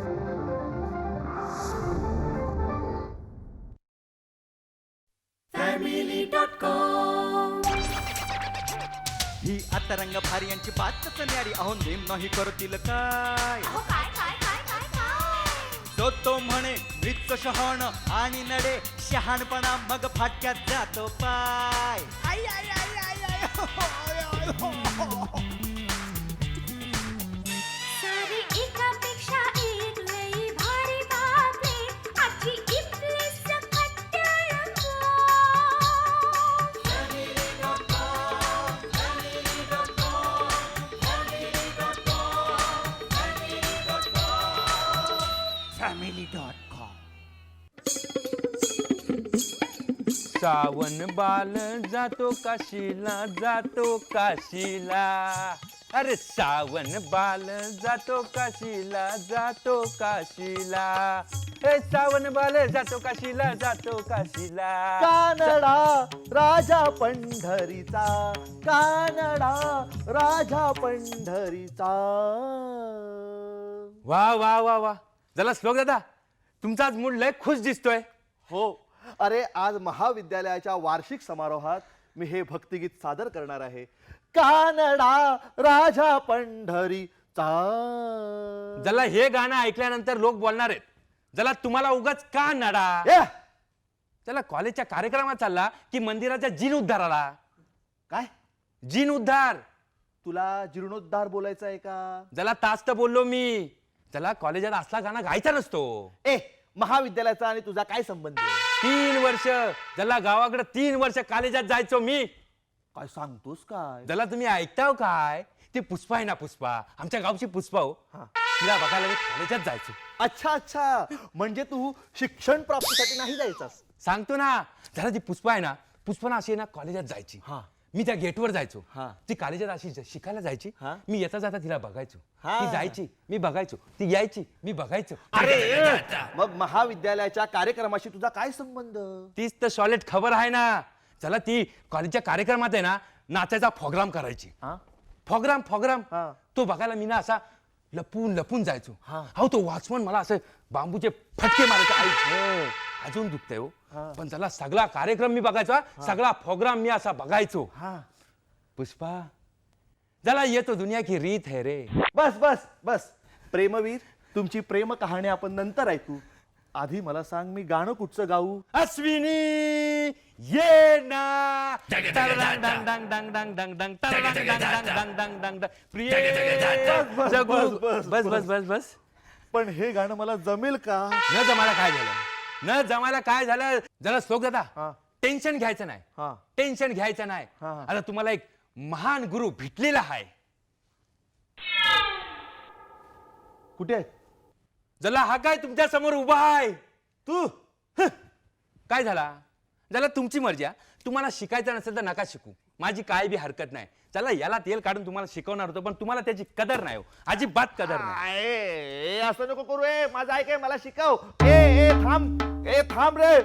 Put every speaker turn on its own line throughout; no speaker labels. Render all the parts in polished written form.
ही आता रंग भारी यांची बातच न्यारी अहो नेम नाही करतील काय तो म्हणे मृत शहाण आणि नडे शहाणपणा मग फाटक्यात जातो पाय आई आई आई आई आई हो, हो, आय, आय, हो, हो.
सारी एकापेक्षा एक लई भारी बातमी आजची इथली सकट रंगो.
सावन बाल जातो काशीला जातो काशीला. अरे सावन बाल जातो काशीला जातो काशीला. हे सावन बाल जातो काशीला जातो काशीला.
कानडा राजा पंढरीचा, कानडा राजा पंढरीचा.
वा वा वा वा. चला श्लोक दादा, तुमचा आज मूड लय खुश दिसतोय.
हो, अरे आज महाविद्यालयाच्या वार्षिक समारोहात मी हे भक्तिगीत सादर करणार आहे. कानडा राजा पंढरीचा.
जला हे गाणं ऐकल्यानंतर लोक बोलणार आहेत, जला तुम्हाला उगाच का नडा.
ए,
चला कॉलेजच्या कार्यक्रमात चालला की मंदिराच्या जीन उद्धाराला.
काय
जीन उद्धार.
तुला जीर्णोद्धार बोलायचा आहे का?
जला तास तर बोललो मी. चला कॉलेजात असला गाणं गायचा नसतो.
ए, महाविद्यालयाचा आणि तुझा काय संबंध आहे?
3 वर्ष जला गावाकडे 3 वर्ष कॉलेजात जायचो मी.
काय सांगतोस काय?
जला तुम्ही ऐकताव काय? ती पुष्पा आहे ना, पुष्पा आमच्या गावची पुष्पा हो. तिला बघायला मी कॉलेजात जायचो.
अच्छा अच्छा, म्हणजे तू शिक्षण प्राप्तीसाठी नाही जायचास?
सांगतो ना, जरा ती पुष्पा आहे ना, पुष्पा ना अशी ना कॉलेजात जायची.
हा.
मी त्या गेटवर जायचो.
हा.
ती कॉलेजात अशी शिकायला जायची.
हा.
मी येता जाता तिला बघायचो.
हा.
ती जायची मी बघायचो, ती यायची मी बघायचो.
अरे मग महाविद्यालयाच्या कार्यक्रमाशी तुझा काय संबंध?
तीच तर सॉलिड खबर आहे ना. चला ती कॉलेजच्या कार्यक्रमात आहे ना नाचायचा प्रोग्राम करायची. प्रोग्राम प्रोग्राम
हा.
तो बघायला मी ना असा लपून लपून जायचो.
हा.
हो, तो वॉचमन मला असं बांबूचे फटके मारायचे. आई अजून दुखतंय हो. पण त्याला सगळा कार्यक्रम मी बघायचा, सगळा प्रोग्राम मी असा बघायचो. पुष्पा जला येतो दुनिया की रीत है रे.
बस बस बस प्रेमवीर, तुमची प्रेम कहाणी आपण नंतर ऐकू. आधी मला सांग, मी गाणं कुठचं गाऊ?
अश्विनी ये ना तरंग डंग डंग डंग डंग डंग डंग तरंग डंग डंग डंग डंग डंग डंग प्रिय
बस,
जगू.
बस,
बस बस बस बस.
पण हे गाणं मला जमेल का?
न जमायला काय झालं, न जमायला काय झालं. जरा श्लोक दादा, टेन्शन घ्यायचं नाही. टेन्शन घ्यायचं नाही. आता तुम्हाला एक महान गुरु भेटलेला आहे.
कुठे आहे?
जला हा काय तुमच्या समोर उभा आहे.
तू
काय झाला, जला तुमची मर्जी. तुम्हाला शिकायचं नसेल तर नका शिकू, माझी काय बी हरकत नाही. चला याला तेल काढून तुम्हाला शिकवणार होतो, पण तुम्हाला त्याची कदर नाही हो, अजिबात कदर नाही.
ए, असं नको करू. ए माझं ऐक, मला शिकव. ए थांब, ए थांब रे.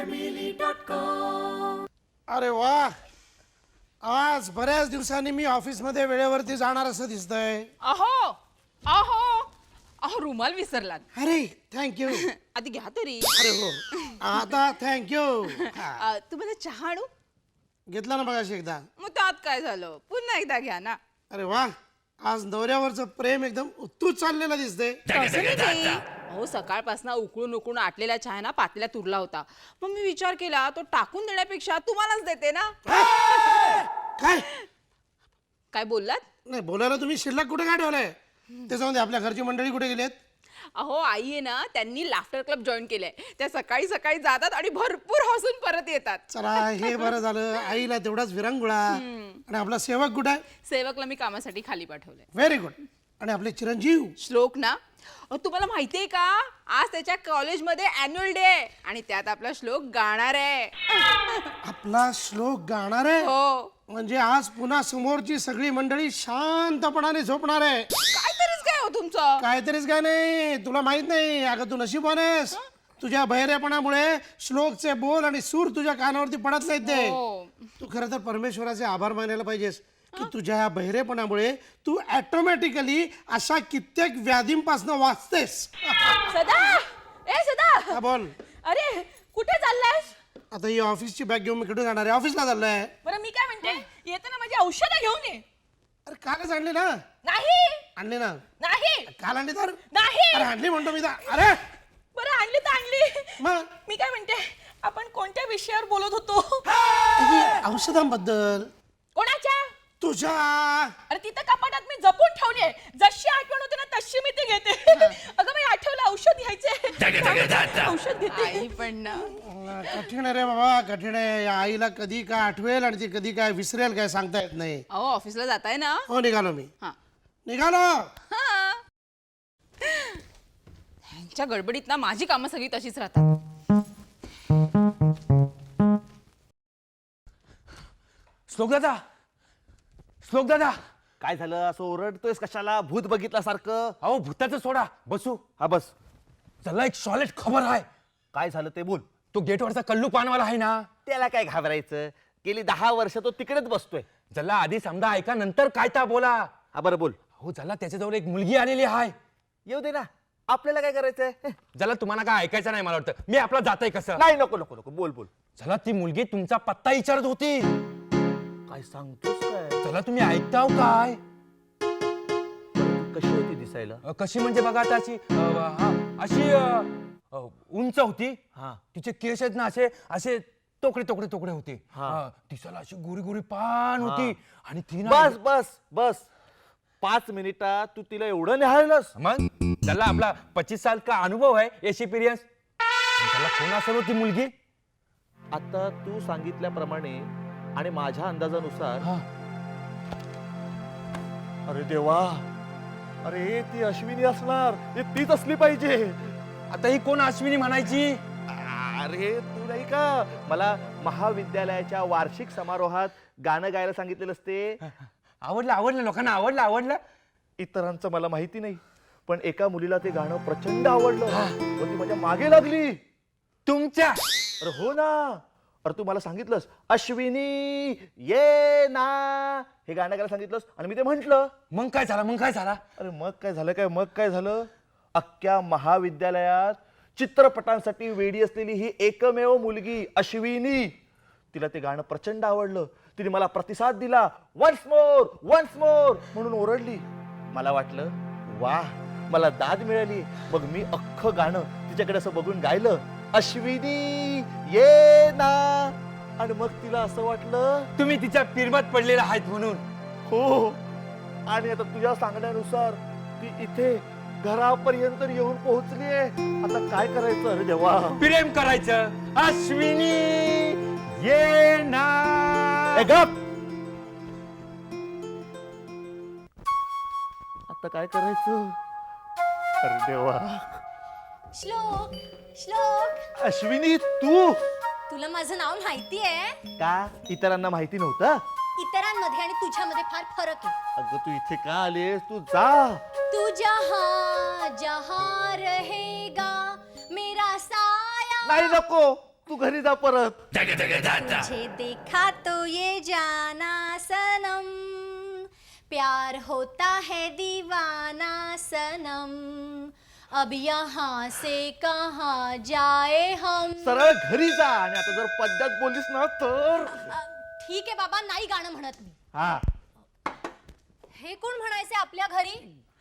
अरे वा, आज बऱ्याच दिवसांनी मी ऑफिसमध्ये वेळेवरती जाणार असं दिसतंय.
अहो अहो अहो रुमाल विसरलात.
अरे थँक्यू.
आधी घ्या तरी.
अरे हो, आता थँक्यू.
तुम्हाला चहा आणू?
घेतला ना बघाशी एकदा.
मग त्यात काय झालं, पुन्हा एकदा घ्या ना.
अरे वा, आज नवऱ्यावरचं प्रेम एकदम उत्तूच चाललेलं दिसतंय.
तसं नाही. अहो सकाळपासून उकळून उकळून आटलेला चहा ना पातेल्यात उरला होता. मग मी विचार केला तो टाकून देण्यापेक्षा तुम्हालाच देते ना.
काय
काय बोललात?
नाही, बोलायला तुम्ही शिल्लक कुठे काय ठेवलंय? त्याच्यामध्ये आपल्या घरची मंडळी कुठे गेलेत?
अहो आई आहे ना, त्यांनी लाफ्टर क्लब जॉईन केलंय. त्या सकाळी सकाळी जातात आणि भरपूर हसून परत येतात.
चला हे बरं झालं. आईला तेवढाच विरंगुळा. आणि आपला सेवक कुठे आहे?
सेवकला मी कामासाठी खाली पाठवलंय.
Very good. आणि आपले चिरंजीव
श्लोक ना, तुम्हाला माहितीये का, आज त्याच्या कॉलेजमध्ये अॅन्युअल डे आहे आणि त्यात आपला श्लोक गाणार आहे.
आपला श्लोक गाणार आहे?
हो.
म्हणजे आज पुन्हा समोरची सगळी मंडळी शांतपणाने झोपणार आहे.
काहीतरीच काय हो तुमचं.
काहीतरीच काय नाही, तुला माहित नाही. अगं तू नशीबवान आहेस. तुझ्या बहिरेपणामुळे श्लोकचे बोल आणि सूर तुझ्या कानावरती पडत नाहीत ते. तू खरं तर परमेश्वराचे आभार मानायला पाहिजेस. की तुझ्या ह्या बहिरेपणामुळे तू ऑटोमॅटिकली अशा कित्येक व्याधींपासून वाचतेस.
सदा ए सदा
हा, बोल.
अरे कुठे चाललायस?
आता ही ऑफिसची बॅग घेऊन मी कुठे जाणार आहे? ऑफिसला चाललोय.
बरं मी काय म्हणते येताना माझी औषधं घेऊन ये.
अरे कालच आणली ना.
नाही
आणली ना.
नाही
काल आणली तर.
नाही
अरे आणली म्हणतो मी तर. अरे
बरं आणली तर आणली.
मग
मी काय म्हणते आपण कोणत्या विषयावर बोलत होतो?
औषधांबद्दल.
कोणाच्या?
तुझ्या.
अरे तिथं कपाटात मी जपून ठेवले. जशी आठवण होते ना तशी मी ती घेते. अगं मी आठवलं औषध घ्यायचे. औषध घेते. पण
कठीण आहे रे बाबा, कठीण आहे. या आईला कधी काय आठवेल आणि ती कधी काय विसरेल काय सांगता येत नाही.
अहो ऑफिसला जाताय ना?
हो निघालो मी.
हा
निघालो.
हा ह्यांच्या गडबडीत ना माझी कामं सगळी तशीच राहतात.
श्लोक दादा, श्लोक दादा.
काय झालं असं ओरडतोयस कशाला? भूत बघितल्यासारखं.
अहो भूताचं सोडा, बसू.
हा बस.
चला एक सॉलिड खबर आहे.
काय झालं ते बोल.
तो गेटवरचा कल्लू पानवाला आहे ना,
त्याला काय घाबरायचं? गेली 10 वर्ष तो तिकडेच बसतोय.
जला आधी समजा ऐका नंतर काय ता बोला.
हा बरं बोल.
हो जला त्याच्याजवळ एक मुलगी आलेली आहे.
येऊ दे ना, आपल्याला काय करायचंय?
जला तुम्हाला काय ऐकायचं नाही मला वाटतं. मी आपला जातोय कसं.
नाही नको नको नको, बोल बोल.
चला ती मुलगी तुमचा पत्ता विचारत होती.
काय सांगतोस काय?
चला तुम्ही ऐकताव काय?
कशी होती दिसायला?
कशी म्हणजे बघा आता अशी अशी उंच होती.
हा.
तिचे केस आहेत ना असे असे तोकडे तोकडे तोकडे होते.
हा.
दिसायला अशी गोरी गोरी पान होती. आणि ती ना
बस बस बस. 5 मिनिटात तू तिला एवढं निहाळलंस?
मग त्याला आपला 25 साल का अनुभव आहे, एक्सपिरियन्स. त्याला कोण असेल होती मुलगी?
आता तू सांगितल्याप्रमाणे आणि माझ्या अंदाजानुसार.
हा.
अरे देवा, अरे ती अश्विनी असणार. हे तीच असली पाहिजे.
आता ही कोण अश्विनी म्हणायची?
अरे तू नाही का मला महाविद्यालयाच्या वार्षिक समारोहात गाणं गायला सांगितलेलं असते?
आवडलं आवडलं, लोकांना आवडलं आवडलं.
इतरांचं मला माहिती नाही, पण एका मुलीला ते गाणं प्रचंड आवडलं. व ती माझ्या मागे लागली.
तुमच्या
अरे हो ना. अरे तू मला सांगितलंस अश्विनी ये ना, हे गाणं गायला सांगितलंस आणि मी ते म्हंटल.
मग काय झालं, मग काय झालं?
अरे मग काय झालं काय? मग काय झालं? अख्ख्या महाविद्यालयात चित्रपटांसाठी वेडी असलेली ही एकमेव मुलगी अश्विनी, तिला ते गाणं प्रचंड आवडलं. तिने मला प्रतिसाद दिला. वन्स मोर म्हणून ओरडली. मला वाटलं वा, मला दाद मिळाली. मग मी अख्खं गाणं तिच्याकडे असं बघून गायलं, अश्विनी ये ना. आणि मग तिला असं वाटलं
तुम्ही तिच्या पिरमत पडलेला आहेत म्हणून.
हो. आणि आता तुझ्या सांगण्यानुसार ती इथे घरापर्यंत येऊन पोहोचलीये. आता काय करायचं? अरे देवा.
प्रेम करायचं. अश्विनी ये ना.
ए गप. आता काय करायचं? अरे देवा.
श्लोक श्लोक,
अश्विनी तू
तुला माझं नाव माहितीये?
का? इतरांना माहिती नव्हतं?
इतरांमध्ये आणि तुझ्यामध्ये फार फरक आहे.
अगं तू इथे का आलीस? तू जा.
तू जहां जहां रहेगा मेरा साया,
नाही नको, तू घरी जा परत.
तुझे देखा तो ये जाना सनम, प्यार होता है दीवाना सनम, अब यहाँ से कहाँ जाए हम.
सरळ घरी जा. आणि आता जर पद्यात बोललीस ना तर.
ठीक आहे बाबा, नाही गाणं म्हणत मी.
हा.
हे कोण म्हणायचे आपल्या घरी?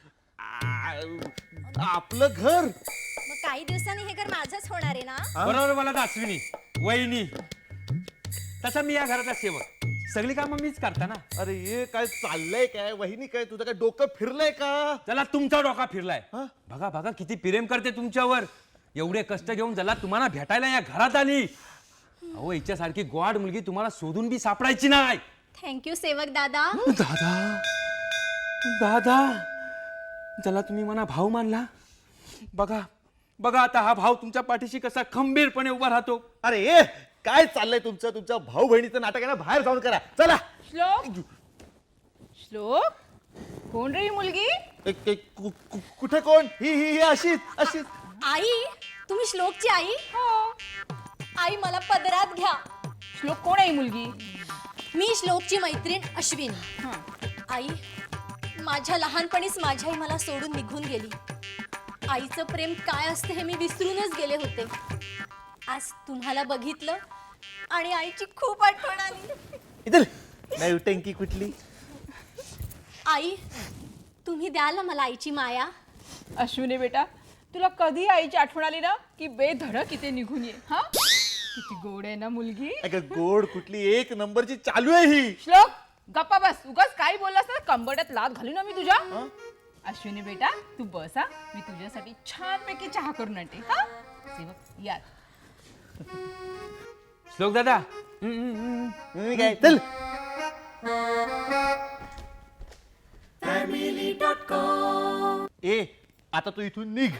आपलं घर.
मग काही दिवसांनी हे घर माझंच होणार आहे ना?
बरोबर मला तर अश्विनी वहिनी. तसा मी या घराचा सेवक, सगळी कामं मीच करता ना.
अरे ये काय चाललंय? काय वहिनी, काय तुझं काय डोकं फिरलंय का?
चला तुमचा डोका फिरलाय.
हा?
बघा बघा किती प्रेम करते तुमच्यावर. एवढे कष्ट घेऊन जला तुम्हाला भेटायला या घरात आली. अहो हिच्यासारखी गोड मुलगी तुम्हाला शोधून बी सापडायची नाही.
थँक्यू सेवक दादा.
दादा दादा, जला तुम्ही मला भाऊ मानला. बघा बघा आता हा भाऊ तुमच्या पाठीशी कसा खंबीरपणे उभा राहतो.
अरे ये काय चाललंय तुमचं? तुमच्या भाऊ बहिणीचं नाटक आहे ना, बाहेर जाऊन करा. चला.
श्लोक श्लोक, कोण रे ही मुलगी?
कुठे कोण? ही अशीच अशीच.
आई, तुम्ही श्लोकची आई?
हो.
आई मला पदरात घ्या.
श्लोक कोण आहे ही मुलगी?
मी श्लोकची मैत्रीण अश्विनी. आई, माझ्या लहानपणीच माझी आई मला सोडून निघून गेली. आईचं प्रेम काय असते हे मी विसरूनच गेले होते. आज तुम्हाला बघितलं आणि आईची खूप आठवण आली.
इधर नौटंकी कुठली.
आई, तुम्ही द्याल ना मला आईची माया.
अश्विनी बेटा, तुला कधी आईची आठवण आली ना की बेधडक इथे निघून ये. हा, किती गोड आहे ना मुलगी.
अगं गोड कुठली, एक नंबरची चालू आहे ही.
श्लोक, गप्पा बस. उगाच काही बोललास ना कंबरड्यात लात घालू ना मी तुझ्या. अश्विनी बेटा, तू बस हा, मी तुझ्यासाठी छानपैकी चहा करून आणते. हा, सेवक या.
श्लोक दादा,
काय चल. ए आता तू इथून निघ.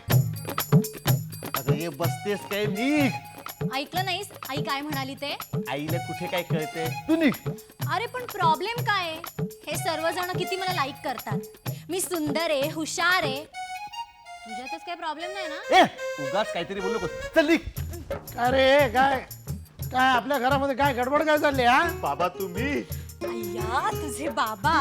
अगं ये बसतेस काय, निघ.
ऐकलं नाहीस आई काय म्हणाली ते?
आईला कुठे काय कळते, तू निघ.
अरे पण प्रॉब्लेम काय आहे? हे सर्वजण किती मला लाईक करतात. मी सुंदर आहे, हुशार आहे. तुझ्यातच काही प्रॉब्लेम नाही ना?
ए उगाच काहीतरी बोलू बस, चल निघ.
अरे काय काय आपल्या घरामध्ये काय गडबड काय चालली हा?
बाबा तुम्ही.
अय्या, तुझे बाबा.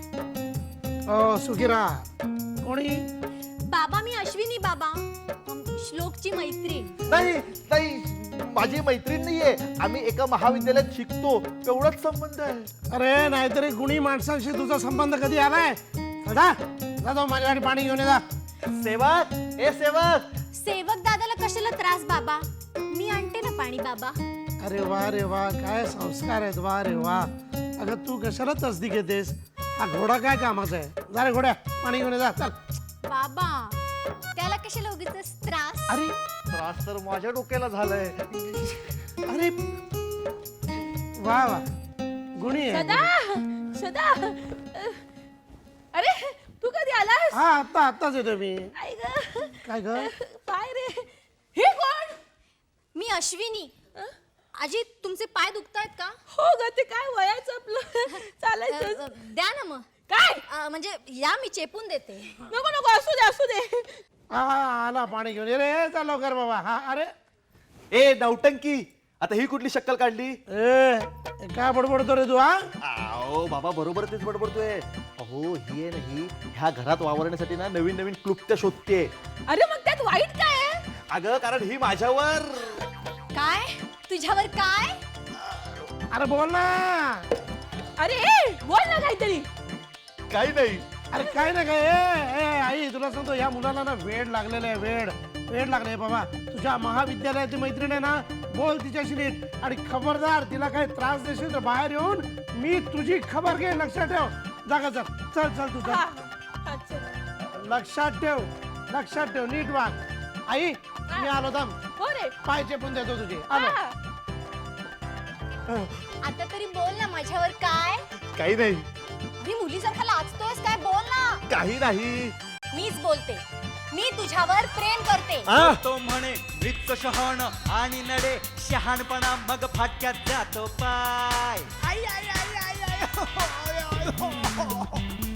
हो सुखी राहा. कोणी?
बाबा मी अश्विनी बाबा, श्लोकची मैत्रीण.
नाही नाही, माझी मैत्रीण नाहीये. आम्ही एका महाविद्यालयात शिकतो, एवढाच संबंध आहे.
अरे नाहीतरी गुणी माणसांशी तुझा संबंध कधी आलाय? जा जातो माझ्यासाठी पाणी घेऊन ये जा.
सेवक, ए सेवक.
सेवक दादाला कशाला त्रास बाबा? मी आणते ना पाणी बाबा.
अरे वा काय संस्कार आहेत, वा रे वा. अगं तू कशाला तसदी घेतेस? हा घोडा काय कामाचा आहे? जा रे घोड्या, पाणी घेऊन ये जा. चल.
बाबा, त्याला कशाला उगीच त्रास?
अरे त्रास तर माझ्या डोक्याला झालाय.
अरे वा वा, गुणी आहे.
सदा सदा, अरे तू कधी आलास?
हा आत्ताच येतो मी.
आई ग,
काय ग?
पाय रे. हे कोण?
मी अश्विनी. आजी, तुमचे पाय दुखतायत का?
हो ग, ते काय वयाचं आपलं चालायचं.
द्या ना मग.
काय?
म्हणजे या मी चेपून देते.
नको नको, असू दे असू दे.
हा आला पाणी घेऊन ये रे. चल लवकर बाबा. हा अरे
ए नौटंकी, आता ही कुठली शक्कल काढली?
ए काय बडबडतो रे तू? हा
आओ बाबा, बरोबर तेच बडबडतोय. अहो ही आहे ना, ही ह्या घरात वावरण्यासाठी ना नवीन नवीन क्लुप्त्या शोधते.
अरे मग त्यात वाईट काय आहे?
अगं कारण ही माझ्यावर.
काय? तुझ्यावर काय?
अरे बोल ना.
अरे बोल ना काहीतरी.
काही नाही.
अरे काय ना काय. ए आई तुला सांगतो, या मुलाला ना वेड लागलेलं आहे. वेड लागले बाबा. तुझ्या महाविद्यालयाची मैत्रीण आहे ना, बोल तिच्याशी नीट. आणि खबरदार, तिला काही त्रास देशील तर बाहेर येऊन मी तुझी खबर घे. लक्षात ठेव. जागा चल तू
हा,
चल.
अच्छा.
लक्षात ठेव नीट वाग. आई मी आलो थांब.
हो रे.
पाय चेपून देतो तुझे. आलो.
हा.
आता तरी बोल ना, माझ्यावर काय?
काही नाही.
अरे मुलीसारखा लाजतोयस काय? बोल ना.
काही नाही.
मीच बोलते. मी तुझ्यावर प्रेम करते.
तो म्हणे मृत शहाण आणि नडे शहाणपणा मग फाटक्यात जातो पाय. आई, आई, आई, आई, आई, हो, हो, हो, हो.